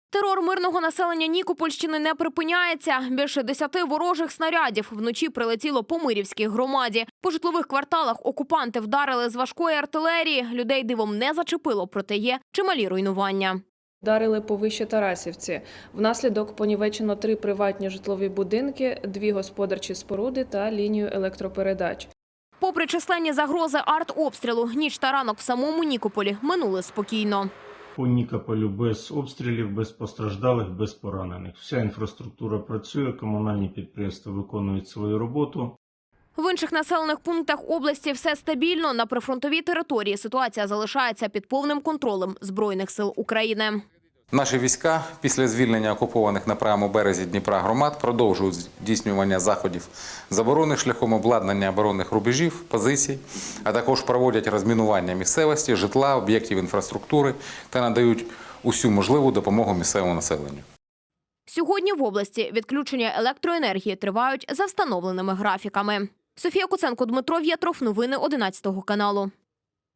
Терор мирного населення Нікопольщини не припиняється. Більше 10 ворожих снарядів вночі прилетіло по Мирівській громаді. По житлових кварталах окупанти вдарили з важкої артилерії. Людей дивом не зачепило, проте є чималі руйнування. Вдарили по Вище Тарасівці. Внаслідок понівечено 3 приватні житлові будинки, 2 господарчі споруди та лінію електропередач. Попри численні загрози артобстрілу, ніч та ранок в самому Нікополі минули спокійно. По Нікополю без обстрілів, без постраждалих, без поранених. Вся інфраструктура працює, комунальні підприємства виконують свою роботу. В інших населених пунктах області все стабільно. На прифронтовій території ситуація залишається під повним контролем Збройних сил України. Наші війська після звільнення окупованих на правому березі Дніпра громад продовжують здійснювання заходів заборони шляхом обладнання оборонних рубежів, позицій, а також проводять розмінування місцевості, житла, об'єктів інфраструктури та надають усю можливу допомогу місцевому населенню. Сьогодні в області відключення електроенергії тривають за встановленими графіками. Софія Куценко, Дмитро В'єтров. Новини 11 каналу.